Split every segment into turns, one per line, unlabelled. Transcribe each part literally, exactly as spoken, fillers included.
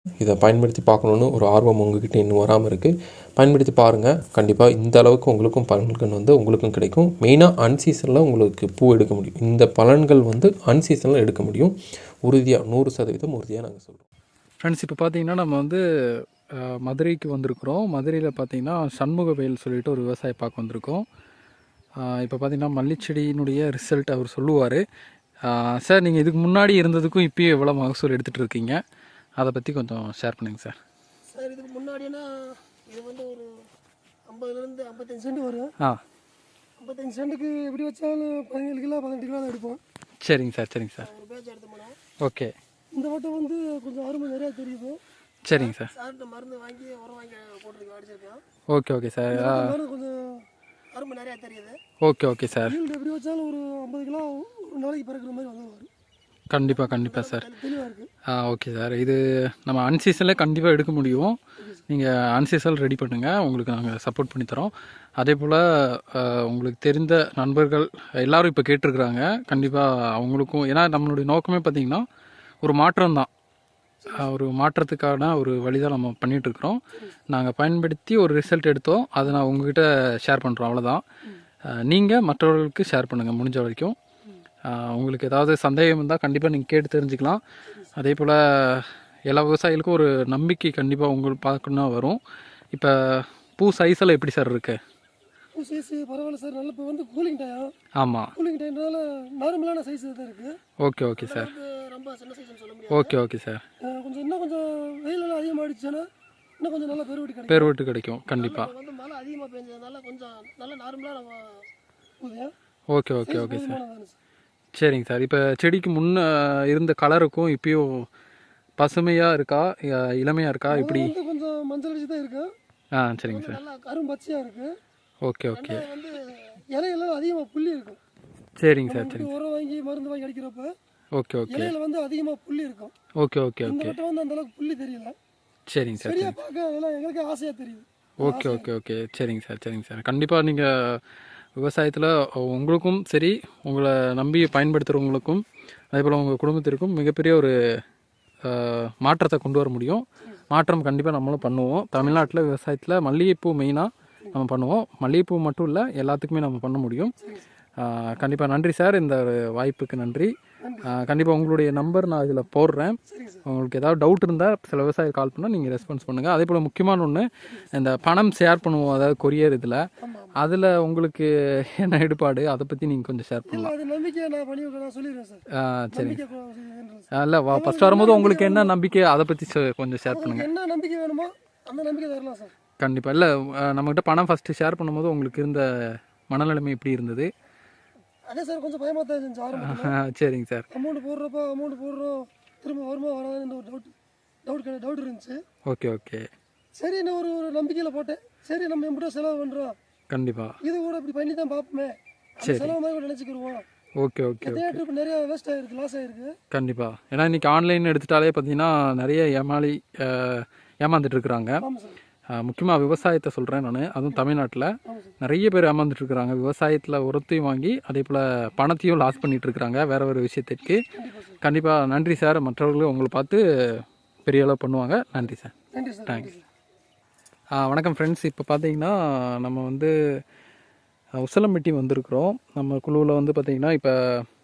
இதை பயன்படுத்தி பார்க்கணுன்னு ஒரு ஆர்வம் உங்ககிட்ட இன்னும் வராமல் இருக்குது. பயன்படுத்தி பாருங்கள். கண்டிப்பாக இந்த அளவுக்கு உங்களுக்கும் பலன்கள் வந்து உங்களுக்கும் கிடைக்கும். மெயினாக அன்சீசனில் உங்களுக்கு பூ எடுக்க முடியும். இந்த பலன்கள் வந்து அன்சீசனில் எடுக்க முடியும். உறுதியாக நூறு சதவீதம் உறுதியாக நாங்கள் சொல்கிறோம்.
ஃப்ரெண்ட்ஸ், இப்போ பார்த்தீங்கன்னா நம்ம வந்து மதுரைக்கு வந்திருக்கிறோம். மதுரையில் பார்த்தீங்கன்னா சண்முகவேல் சொல்லிட்டு ஒரு விவசாயி பார்க்க வந்திருக்கோம். இப்போ பார்த்தீங்கன்னா மல்லிச்செடியினுடைய ரிசல்ட் அவர் சொல்லுவார். சார், நீங்கள் இதுக்கு முன்னாடி இருந்ததுக்கும் இப்போயும் எவ்வளோ மகசூல் எடுத்துகிட்டு இருக்கீங்க, அதை பற்றி கொஞ்சம் ஷேர் பண்ணுங்கள் சார்.
சார், இதுக்கு முன்னாடினா இது வந்து ஒரு ஐம்பதுலேருந்து ஐம்பத்தஞ்சு சென்ட் வரும்.
ஆ,
ஐம்பத்தஞ்சு சென்ட்டுக்கு எப்படி வச்சாலும் பதினேழு கிலோ பதினெட்டு கிலோ தான் எடுப்போம்.
சரிங்க சார். சரிங்க சார்.
ஒரு பேட்ச் எடுத்து போனோம்.
ஓகே.
இந்த வட்டம் வந்து கொஞ்சம் அருமை நிறையா தெரியுது.
சரிங்க சார்.
சார்கிட்ட மருந்து வாங்கி உரம் வாங்கி போட்டுருக்கோம், அடிச்சிருக்கோம்.
Okay okay sir.
கொஞ்சம் அருமை நிறையா தெரியுது.
Okay okay sir.
எப்படி வச்சாலும் ஒரு ஐம்பது கிலோ ஒரு நாளைக்கு பறக்கிற மாதிரி வந்துடுவார்.
கண்டிப்பாக கண்டிப்பாக சார்.
தெளிவாக இருக்குது.
ஆ, ஓகே சார். இது நம்ம அன்சீசனில் கண்டிப்பாக எடுக்க முடியும். நீங்கள் அன்சீசன் ரெடி பண்ணுங்கள், உங்களுக்கு நாங்கள் சப்போர்ட் பண்ணித்தரோம். அதே போல் உங்களுக்கு தெரிந்த நண்பர்கள் எல்லோரும் இப்போ கேட்டிருக்கிறாங்க. கண்டிப்பாக அவங்களுக்கும், ஏன்னா நம்மளுடைய நோக்கமே பார்த்திங்கன்னா ஒரு மாற்றம் தான். ஒரு மாற்றத்துக்கான ஒரு வழி தான் நம்ம பண்ணிகிட்ருக்குறோம். நாங்கள் பயன்படுத்தி ஒரு ரிசல்ட் எடுத்தோம், அதை நான் உங்கள்கிட்ட ஷேர் பண்ணுறோம், அவ்வளோதான். நீங்கள் மற்றவர்களுக்கு ஷேர் பண்ணுங்கள் முடிஞ்ச வரைக்கும். உங்களுக்கு ஏதாவது சந்தேகம் இருந்தால் கண்டிப்பாக நீங்கள் கேட்டு தெரிஞ்சுக்கலாம். அதே போல் எல்லா விவசாயிகளுக்கும் ஒரு நம்பிக்கை கண்டிப்பாக உங்களுக்கு பார்க்கணும் வரும். இப்போ பூ சைஸெல்லாம் எப்படி சார் இருக்குது?
பூ சைஸ் பரவாயில்ல சார். நல்ல இப்போ வந்து கூலிங் டைம்.
ஆமாம்,
கூலிங் டைம்னால நார்மலான சைஸ் தான் இருக்குது.
Okay okay sir.
ரொம்ப சின்ன சைஸ்னு சொல்ல முடியாது.
ஓகே ஓகே சாக
கொஞ்சம் இன்னும் கொஞ்சம் வெயிலெல்லாம் அதிகமாகிடுச்சுன்னா இன்னும் கொஞ்சம் நல்லா பெருவெட்டு கிடைக்கும்.
பெருவெட்டு கிடைக்கும் கண்டிப்பாக.
வந்து மழை அதிகமாக பெஞ்சதுனால கொஞ்சம் நல்லா நார்மலாக நம்ம பூதே.
Okay okay okay sir. சரிங்க சார். இப்போ செடிக்கு முன்னே இருந்த கலருக்கும் இப்பயும் பசுமையாக இருக்கா, இளமையாக இருக்கா, இப்படி?
கொஞ்சம் மஞ்சள் அடிச்சு தான் இருக்கு.
ஆ, சரிங்க சார்.
நல்லா கரும் பச்சையாக இருக்குது.
Okay okay.
வந்து இலையெல்லாம் அதிகமாக புள்ளி இருக்கும்.
சரிங்க சார். சரிங்க.
உரம் வாங்கி மருந்து வாங்கி அடிக்கிறப்ப
ஓகே ஓகே.
இலையில வந்து அதிகமாக புள்ளி இருக்கும்.
ஓகே ஓகே
இந்த
ஓகே.
வட்டம் வந்து அந்த அளவுக்கு புள்ளி தெரியல.
சரிங்க சார்.
சரியா பார்க்க அதெல்லாம் எங்களுக்கு ஆசையாக தெரியுது.
Okay okay okay. சரிங்க சார். சரிங்க சார். கண்டிப்பாக நீங்கள் விவசாயத்தில் உங்களுக்கும் சரி, உங்களை நம்பி பயன்படுத்துகிறவங்களுக்கும் அதே போல் உங்கள் குடும்பத்திற்கும் மிகப்பெரிய ஒரு மாற்றத்தை கொண்டு வர முடியும். மாற்றம் கண்டிப்பாக நம்மளும் பண்ணுவோம். தமிழ்நாட்டில் விவசாயத்தில் மல்லிகைப்பூ மெயினாக நம்ம பண்ணுவோம். மல்லிகைப்பூ மட்டும் இல்லை, எல்லாத்துக்குமே நம்ம பண்ண முடியும். கண்டிப்பாக நன்றி சார், இந்த ஒரு வாய்ப்புக்கு நன்றி. கண்டிப்பாக உங்களுடைய நம்பர் நான் இதில் போடுறேன். உங்களுக்கு ஏதாவது டவுட் இருந்தால் சில விவசாயிகள் கால் பண்ணால் நீங்கள் ரெஸ்பான்ஸ் பண்ணுங்கள். அதே போல் முக்கியமான ஒன்று, இந்த பணம் ஷேர் பண்ணுவோம், அதாவது கொரியர் இதில், அதில் உங்களுக்கு என்ன ஈடுபாடு, அதை பற்றி நீங்கள் கொஞ்சம் ஷேர் பண்ணலாம். ஆ, சரி. இல்லை, வா ஃபஸ்ட் வரும்போது உங்களுக்கு என்ன நம்பிக்கை, அதை பற்றி கொஞ்சம் ஷேர் பண்ணுங்கள்.
என்ன நம்பிக்கை வேணுமோ அந்த நம்பிக்கை தரலாம் சார்.
கண்டிப்பாக. இல்லை, நம்மகிட்ட பணம் ஃபஸ்ட்டு ஷேர் பண்ணும்போது உங்களுக்கு இருந்த மனநிலைமை எப்படி இருந்தது?
அதே சார், கொஞ்சம் பயமாக தான் இருந்துச்சு ஆரம்பத்தில்.
சரிங்க சார்.
அமௌண்ட் போடுறப்ப அமௌண்ட் போடுறோம், திரும்ப வருமா வராதுன்னு ஒரு டவுட் டவுட் டவுட் இருந்துச்சு.
Okay okay.
சரி, நான் ஒரு ஒரு நம்பிக்கையில் போட்டேன். சரி, நம்ம எப்படி செலவு பண்ணுறோம்,
கண்டிப்பாக
இது கூட இப்படி பண்ணி தான் பார்ப்போமே, செலவு மாதிரி கூட நினச்சிக்கிடுவோம்.
Okay okay.
நிறைய ட்ரிப் நிறைய வேஸ்ட் ஆகிருக்கு, லாஸ் ஆகிருக்கு.
கண்டிப்பாக. ஏன்னா இன்றைக்கி ஆன்லைன் எடுத்துட்டாலே பார்த்தீங்கன்னா நிறைய ஏமாளி ஏமாந்துட்டு இருக்கிறாங்க. முக்கியமாக விவசாயத்தை சொல்கிறேன் நான், அதுவும் தமிழ்நாட்டில் நிறைய பேர் ஏமாந்துட்டு இருக்கிறாங்க. விவசாயத்தில் உரத்தையும் வாங்கி அதே போல் பணத்தையும் லாஸ் பண்ணிகிட்டு இருக்கிறாங்க வேறு ஒரு விஷயத்திற்கு. கண்டிப்பாக நன்றி சார். மற்றவர்களும் உங்களை பார்த்து பெரிய அளவு பண்ணுவாங்க. நன்றி சார். தேங்க்ஸ். வணக்கம் ஃப்ரெண்ட்ஸ். இப்போ பார்த்தீங்கன்னா நம்ம வந்து உசலம்பட்டி வந்திருக்கிறோம். நம்ம குழுவில் வந்து பார்த்திங்கன்னா இப்போ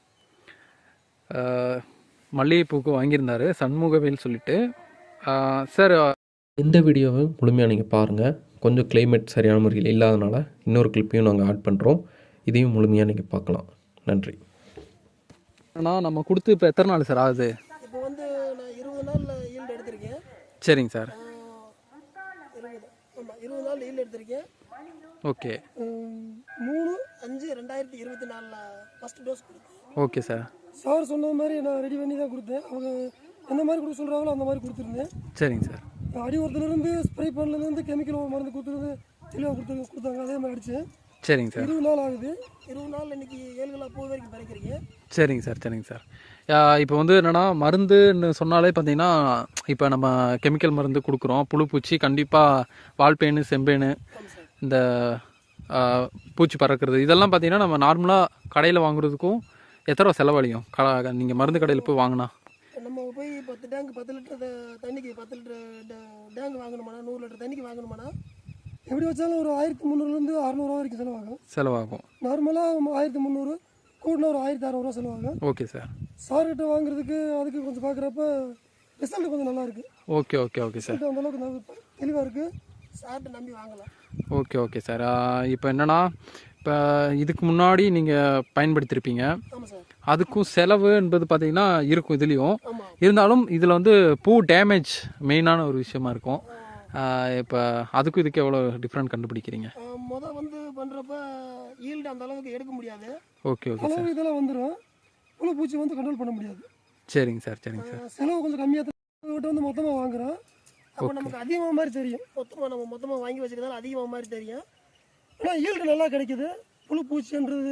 மல்லிகைப்பூக்கு வாங்கியிருந்தார் சண்முகவேல் சொல்லிட்டு. சார்,
இந்த வீடியோவை முழுமையாக நீங்கள் பாருங்கள். கொஞ்சம் கிளைமேட் சரியான முறையில் இல்லாதனால இன்னொரு கிளிப்பையும் நாங்கள் ஆட் பண்ணுறோம். இதையும் முழுமையாக நீங்கள் பார்க்கலாம். நன்றி.
ஆனால் நம்ம கொடுத்து இப்போ எத்தனை நாள் சார் ஆகுது?
இப்போ வந்து நான் இருபது நாளில் ஈல்டு எடுத்திருக்கேன்.
சரிங்க சார்.
இருபது ஆமாம் இருபது நாள் ஈல்டு எடுத்திருக்கேன்.
ஓகே.
மூணு அஞ்சு ரெண்டாயிரத்தி இருபத்தி நாலில் ஃபஸ்ட் டோஸ் கொடுத்தேன்.
Okay sir.
சார் சொன்ன மாதிரி நான் ரெடி பண்ணி தான் கொடுத்தேன். அவங்க எந்த மாதிரி கொடுக்க சொல்கிறாங்களோ அந்த மாதிரி கொடுத்துருந்தேன்.
சரிங்க சார்.
அடி உரத்துலேருந்து ஸ்ப்ரே பண்ணலேருந்து கெமிக்கல் மருந்து கொடுத்துருந்து தெளிவாக கொடுத்து கொடுத்தாங்க. அதே மாதிரி அடிச்சு.
சரிங்க சார்.
இருபது நாள் ஆகுது. இருபது நாள் இன்னைக்கு ஏழு கிலோ பூ வரைக்கும் பறிக்கிறீங்க.
சரிங்க சார். சரிங்க சார். இப்போ வந்து என்னென்னா, மருந்துன்னு சொன்னாலே பார்த்தீங்கன்னா இப்போ நம்ம கெமிக்கல் மருந்து கொடுக்குறோம். புழு பூச்சி கண்டிப்பாக வால்பேனு செம்பேனு இந்த பூச்சி பறக்கிறது இதெல்லாம் பார்த்தீங்கன்னா நம்ம நார்மலாக கடையில் வாங்குறதுக்கும் எத்தனை ரூபா செலவழியும் க நீங்கள் மருந்து கடையில் போய் வாங்கினா?
இப்போ நம்ம போய் பத்து டேங்க் பத்து லிட்டர் தண்ணிக்கு பத்து லிட்டர் டேங்க் வாங்கணுமாண்ணா, நூறு லிட்டர் தண்ணிக்கு வாங்கணுமாண்ணா, எப்படி வச்சாலும் ஒரு ஆயிரத்தி முந்நூறுலேருந்து அறநூறுவா வரைக்கும் செலவாகும்.
செலவாகும்.
நார்மலாக ஆயிரத்தி முந்நூறு கூட்டினா ஒரு ஆயிரத்தி அறநூறுவா செலவாகும்.
Okay sir.
சார்கிட்ட வாங்குறதுக்கு அதுக்கு கொஞ்சம் பார்க்குறப்ப ரிசல்ட் கொஞ்சம் நல்லா இருக்குது.
Okay okay okay sir.
அந்த அளவுக்கு நல்லா தெளிவாக இருக்குது. சார்கிட்ட நம்பி வாங்கலாம்.
Okay okay sir. இப்போ என்னென்னா, இப்போ இதுக்கு முன்னாடி நீங்கள் பயன்படுத்தியிருப்பீங்க,
ஆமாம் சார்.
அதுக்கும் செலவு என்பது பார்த்தீங்கன்னா இருக்கும் இதுலேயும்.
ஆமாம்.
இருந்தாலும் இதில் வந்து பூ டேமேஜ் மெயினான ஒரு விஷயமா இருக்கும். இப்போ அதுக்கும் இதுக்கு எவ்வளோ டிஃப்ரெண்ட் கண்டுபிடிக்கிறீங்க?
முதல் வந்து பண்ணுறப்ப ஈல்டு அந்த அளவுக்கு எடுக்க முடியாது.
Okay okay sir.
இதெல்லாம் வந்துடும். புழு பூச்சி வந்து கண்ட்ரோல் பண்ண முடியாது.
சரிங்க சார் சரிங்க சார்.
செலவு கொஞ்சம் கம்மியாக தான் வந்து மொத்தமாக வாங்குகிறோம். அப்போ நமக்கு அதிகமாக மாதிரி தெரியும். மொத்தமாக நம்ம மொத்தமாக வாங்கி வச்சுக்கிறதால அதிகமாக மாதிரி தெரியும். ஆனால் ஈல்டு நல்லா கிடைக்குது. புழு பூச்சின்றது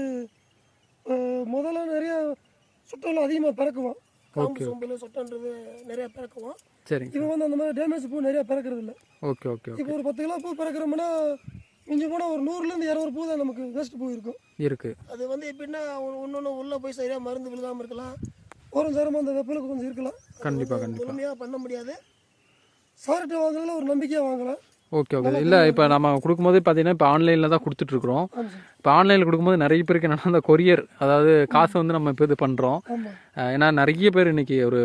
முதல்ல நிறைய சுட்டெல்லாம் அதிகமாக பிறக்குவோம். காம்பு சோம்பல் சொட்டன்றது நிறைய பிறக்குவோம்.
சரிங்க.
இப்போ வந்து அந்த மாதிரி டேமேஜ் பூ நிறைய பிறக்கிறது இல்லை.
Okay okay.
இப்போ ஒரு பத்து கிலோ பூ பிறக்கிறோம்னா மிஞ்சி போனால் ஒரு நூறுலேருந்து இரநூறு பூ தான் நமக்கு வேஸ்ட் பூ இருக்கும்.
இருக்குது.
அது வந்து எப்படின்னா ஒன்று ஒன்று உள்ளே போய் சரியாக மருந்து விழுகாமல் இருக்கலாம். ஒரு நேரமாக அந்த வெப்பலுக்கு கொஞ்சம் இருக்கலாம்.
கண்டிப்பாக கண்டிப்பாக
முழுமையாக பண்ண முடியாது. சார்கிட்ட வாங்கினாலும் ஒரு நம்பிக்கையாக வாங்கலாம்.
Okay okay. இல்லை இப்போ நம்ம கொடுக்கும்போது பார்த்தீங்கன்னா இப்போ ஆன்லைனில் தான் கொடுத்துட்ருக்குறோம். இப்போ ஆன்லைனில் கொடுக்கும்போது நிறைய பேருக்கு என்னென்னா அந்த கொரியர், அதாவது காசு வந்து நம்ம இப்போ இது பண்ணுறோம். ஏன்னா நிறைய பேர் இன்றைக்கி ஒரு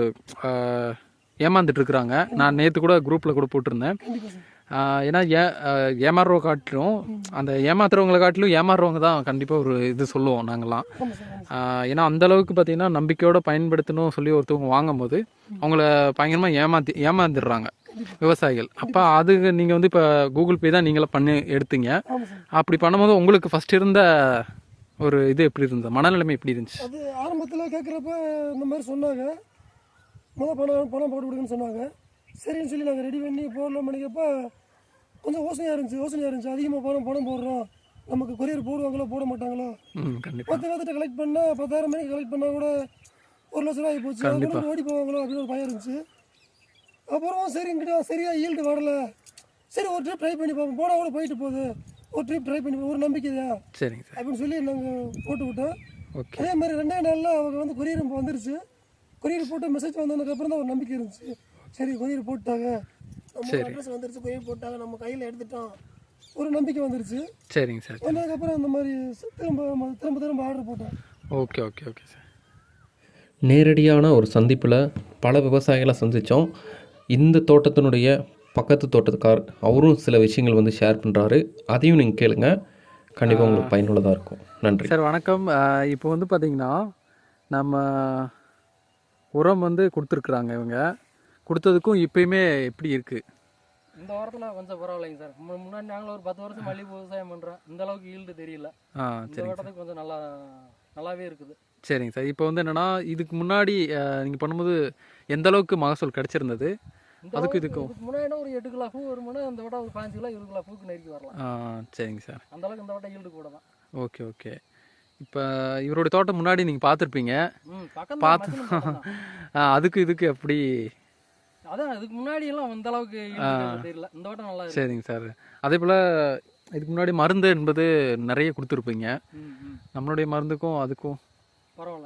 ஏமாந்துட்டு இருக்கிறாங்க. நான் நேற்று கூட குரூப்பில் கூட போட்டிருந்தேன். ஏன்னா ஏ ஏமாறுறவங்க காட்டிலும் அந்த ஏமாத்துறவங்களை காட்டிலும் ஏமாறுறவங்க தான் கண்டிப்பாக ஒரு இது சொல்லுவோம் நாங்கள்லாம். ஏன்னா அந்தளவுக்கு பார்த்திங்கன்னா நம்பிக்கையோடு பயன்படுத்தணும் சொல்லி ஒருத்தவங்க வாங்கும் போது அவங்கள பயங்கரமாக ஏமாற்றி ஏமாந்துடுறாங்க விவசாயிகள். அப்போ அது நீங்கள் வந்து இப்போ கூகுள் பே தான் நீங்களே பண்ணி எடுத்தீங்க. அப்படி பண்ணும்போது உங்களுக்கு ஃபஸ்ட் இருந்த ஒரு இது எப்படி இருந்தது, மனநிலைமை எப்படி இருந்துச்சு?
அது ஆரம்பத்தில் கேட்குறப்ப இந்த மாதிரி சொன்னாங்க, முதல் பணம் பணம் போட்டு கொடுக்குன்னு சொன்னாங்க. சரின்னு சொல்லி நாங்கள் ரெடி பண்ணி போடலாம் பண்ணிக்கப்போ கொஞ்சம் யோசனையாக இருந்துச்சு யோசனையாக இருந்துச்சு அதிகமாக பணம் பணம் போடுறோம், நமக்கு கொரியர் போடுவாங்களோ போட மாட்டாங்களோ. பத்து பேர்த்திட்ட கலெக்ட் பண்ணால் பத்தாயிரம் மணிக்கு கலெக்ட் பண்ணால் கூட ஒரு லட்ச ரூபாய் போச்சு, அதுக்கு ஓடி போவாங்களோ அப்படின்னு ஒரு பயம் இருந்துச்சு. அப்புறம் சரிங்கிட்ட சரியாக ஈல்டு வரல, சரி ஒரு ட்ரிப் ட்ரை பண்ணி பார்ப்போம், போனால் கூட போயிட்டு போகுது, ஒரு ட்ரிப் ட்ரை பண்ணி ஒரு நம்பிக்கை தான்
சரிங்க சார்
அப்படின்னு சொல்லி நாங்கள் போட்டு விட்டோம்.
ஓகே.
அதே மாதிரி ரெண்டே நாளில் அவங்க வந்து கொரியர் வந்துருச்சு. கொரியர் போட்டு மெசேஜ் வந்ததுக்கப்புறம் தான் ஒரு நம்பிக்கை இருந்துச்சு. சரி கொரியர் போட்டாங்க, நம்ம அட்ரஸ் வந்துருச்சு, கொரியர் போட்டாங்க, நம்ம கையில் எடுத்துட்டோம், ஒரு நம்பிக்கை வந்துருச்சு.
சரிங்க சார்.
வந்ததுக்கப்புறம் அந்த மாதிரி திரும்ப திரும்ப திரும்ப ஆர்டர் போட்டேன்.
Okay okay okay sir.
நேரடியான ஒரு சந்திப்பில் பல விவசாயிகளை சந்தித்தோம். இந்த தோட்டத்தினுடைய பக்கத்து தோட்டத்துக்கார் அவரும் சில விஷயங்கள் வந்து ஷேர் பண்ணுறாரு. அதையும் நீங்கள் கேளுங்க, கண்டிப்பாக உங்களுக்கு பயனுள்ளதாக இருக்கும். நன்றி
சார். வணக்கம். இப்போ வந்து பார்த்திங்கன்னா நம்ம உரம் வந்து கொடுத்துருக்குறாங்க. இவங்க கொடுத்ததுக்கும் இப்போயுமே எப்படி இருக்குது?
இந்த வாரத்தில் கொஞ்சம் பரவாயில்லைங்க சார். முன்னாடி நாங்களும் ஒரு பத்து வருஷம் மல்லிகை விவசாயம் பண்ணுறோம், இந்த அளவுக்கு ஈல்டு தெரியல.
ஆ
இந்த வாரத்துக்கு கொஞ்சம் நல்லா நல்லாவே இருக்குது.
சரிங்க சார். இப்போ வந்து என்னென்னா இதுக்கு முன்னாடி நீங்கள் பண்ணும்போது எந்த அளவுக்கு மகசூல் கிடச்சிருந்தது? அதுக்கு இதுக்கும்
முன்னாடி ஒரு எட்டு கிலோ பூ வருமானு, அந்த வட்டம் ஒரு பாஞ்சு கிலோ இருபது கிலோ பூக்கு நெருக்கி வரலாம்.
ஆ சரிங்க சார்.
அந்த அளவுக்கு இந்த வட்டம் ஈல்டு கூட தான்.
Okay okay. இப்போ இவருடைய தோட்டம் முன்னாடி நீங்கள் பார்த்துருப்பீங்க, பார்த்து அதுக்கு இதுக்கு எப்படி?
அதான் இதுக்கு முன்னாடி எல்லாம் அந்த அளவுக்கு தெரியல, இந்த வட்டம் நல்லா.
சரிங்க சார். அதே போல் இதுக்கு முன்னாடி மருந்து என்பது நிறைய கொடுத்துருப்பீங்க. நம்மளுடைய மருந்துக்கும் அதுக்கும்
பரவாயில்ல.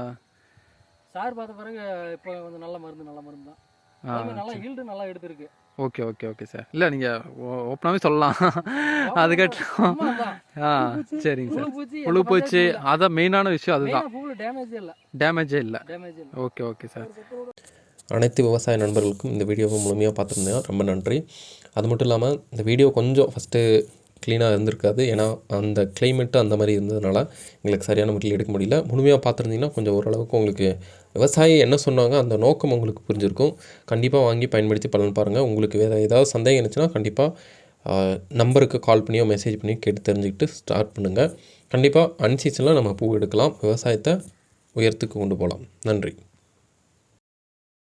சார் பார்த்த பிறகு இப்போ கொஞ்சம் நல்ல மருந்து நல்ல மருந்து தான், நல்லா ஈல்டு நல்லா எடுத்துருக்கு.
Okay okay okay sir. இல்லை நீங்கள் ஓப்பனாகவே சொல்லலாம். அதுக்கட்டும் ஆ சரிங்க சார். புழு பூச்சி அதான் மெயினான விஷயம், அதுதான்.
டேமேஜே இல்லை
டேமேஜே இல்லை
டேமேஜ் இல்லை.
Okay okay sir.
அனைத்து விவசாய நண்பர்களுக்கும் இந்த வீடியோவை முழுமையாக பார்த்துருந்தேன், ரொம்ப நன்றி. அது மட்டும் இல்லாமல் இந்த வீடியோ கொஞ்சம் ஃபஸ்ட்டு க்ளீனாக இருந்திருக்காது, ஏன்னா அந்த கிளைமேட்டு அந்த மாதிரி இருந்ததுனால எங்களுக்கு சரியான முறையில் எடுக்க முடியல. முழுமையாக பார்த்துருந்தீங்கன்னா கொஞ்சம் ஓரளவுக்கு உங்களுக்கு விவசாயி என்ன சொன்னாங்க அந்த நோக்கம் உங்களுக்கு புரிஞ்சிருக்கும். கண்டிப்பாக வாங்கி பயன்படுத்தி பலன் பாருங்கள். உங்களுக்கு வேறு ஏதாவது சந்தேகம் இருந்துச்சுன்னா கண்டிப்பாக நம்பருக்கு கால் பண்ணியோ மெசேஜ் பண்ணியோ கேட்டு தெரிஞ்சுக்கிட்டு ஸ்டார்ட் பண்ணுங்கள். கண்டிப்பாக அன்சீசனில் நம்ம பூ எடுக்கலாம், விவசாயத்தை உயரத்துக்கு கொண்டு போகலாம். நன்றி.